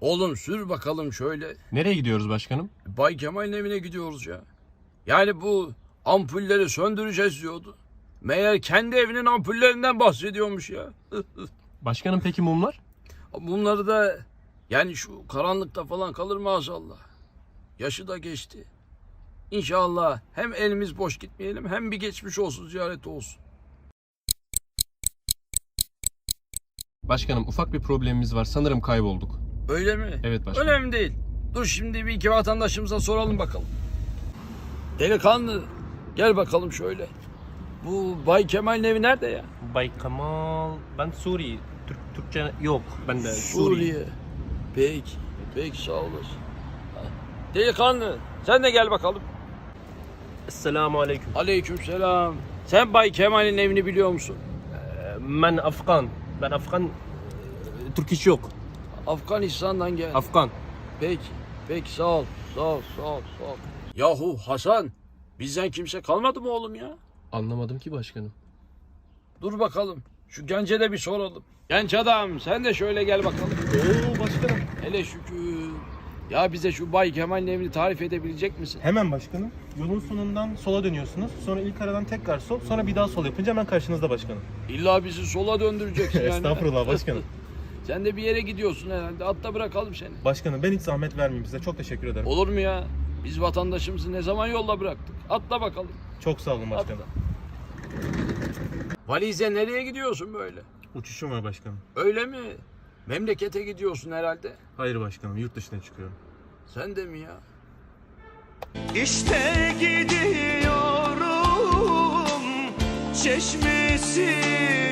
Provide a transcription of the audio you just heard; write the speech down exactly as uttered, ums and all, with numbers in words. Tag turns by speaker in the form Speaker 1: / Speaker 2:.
Speaker 1: Oğlum sür bakalım şöyle.
Speaker 2: Nereye gidiyoruz başkanım?
Speaker 1: Bay Kemal'in evine gidiyoruz ya. Yani bu ampulleri söndüreceğiz diyordu. Meğer kendi evinin ampullerinden bahsediyormuş ya.
Speaker 2: Başkanım peki mumlar?
Speaker 1: Bunları da yani şu karanlıkta falan kalır maazallah. Yaşı da geçti. İnşallah hem elimiz boş gitmeyelim hem bir geçmiş olsun ziyareti olsun.
Speaker 2: Başkanım ufak bir problemimiz var. Sanırım kaybolduk.
Speaker 1: Öyle mi?
Speaker 2: Evet başkanım.
Speaker 1: Önemli değil. Dur şimdi bir iki vatandaşımıza soralım bakalım. Delikanlı gel bakalım şöyle. Bu Bay Kemal'in evi nerede ya?
Speaker 3: Bay Kemal, ben Suriye. Türk, Türkçe yok. Ben de Suriye.
Speaker 1: Suriye. Peki. Peki sağ olasın. Delikanlı sen de gel bakalım.
Speaker 3: Esselamu aleyküm.
Speaker 1: Aleykümselam. Sen Bay Kemal'in evini biliyor musun?
Speaker 3: Ben Afgan. Ben Afgan. Türk iş yok.
Speaker 1: Afganistan'dan gel.
Speaker 3: Afgan.
Speaker 1: Peki. Peki sağ ol. Sağ ol. Sağ ol. Sağ ol. Yahu Hasan. Bizden kimse kalmadı mı oğlum ya?
Speaker 2: Anlamadım ki başkanım.
Speaker 1: Dur bakalım. Şu gence de bir soralım. Genç adam sen de şöyle gel bakalım.
Speaker 4: Oo başkanım.
Speaker 1: Hele şükür. Ya bize şu Bay Kemal'in evini tarif edebilecek misin?
Speaker 4: Hemen başkanım. Yolun sonundan sola dönüyorsunuz. Sonra ilk aradan tekrar sol. Sonra bir daha sol yapınca hemen karşınızda başkanım.
Speaker 1: İlla bizi sola döndüreceksin yani.
Speaker 4: Estağfurullah başkanım.
Speaker 1: Sen de bir yere gidiyorsun herhalde. Atla bırakalım seni.
Speaker 4: Başkanım ben hiç zahmet vermeyeyim size. Çok teşekkür ederim.
Speaker 1: Olur mu ya? Biz vatandaşımızı ne zaman yolda bıraktık? Atla bakalım.
Speaker 4: Çok sağ olun başkanım.
Speaker 1: Valize nereye gidiyorsun böyle?
Speaker 4: Uçuşum var başkanım.
Speaker 1: Öyle mi? Memlekete gidiyorsun herhalde.
Speaker 4: Hayır başkanım, yurt dışına çıkıyorum.
Speaker 1: Sen de mi ya?
Speaker 5: İşte gidiyorum çeşmesi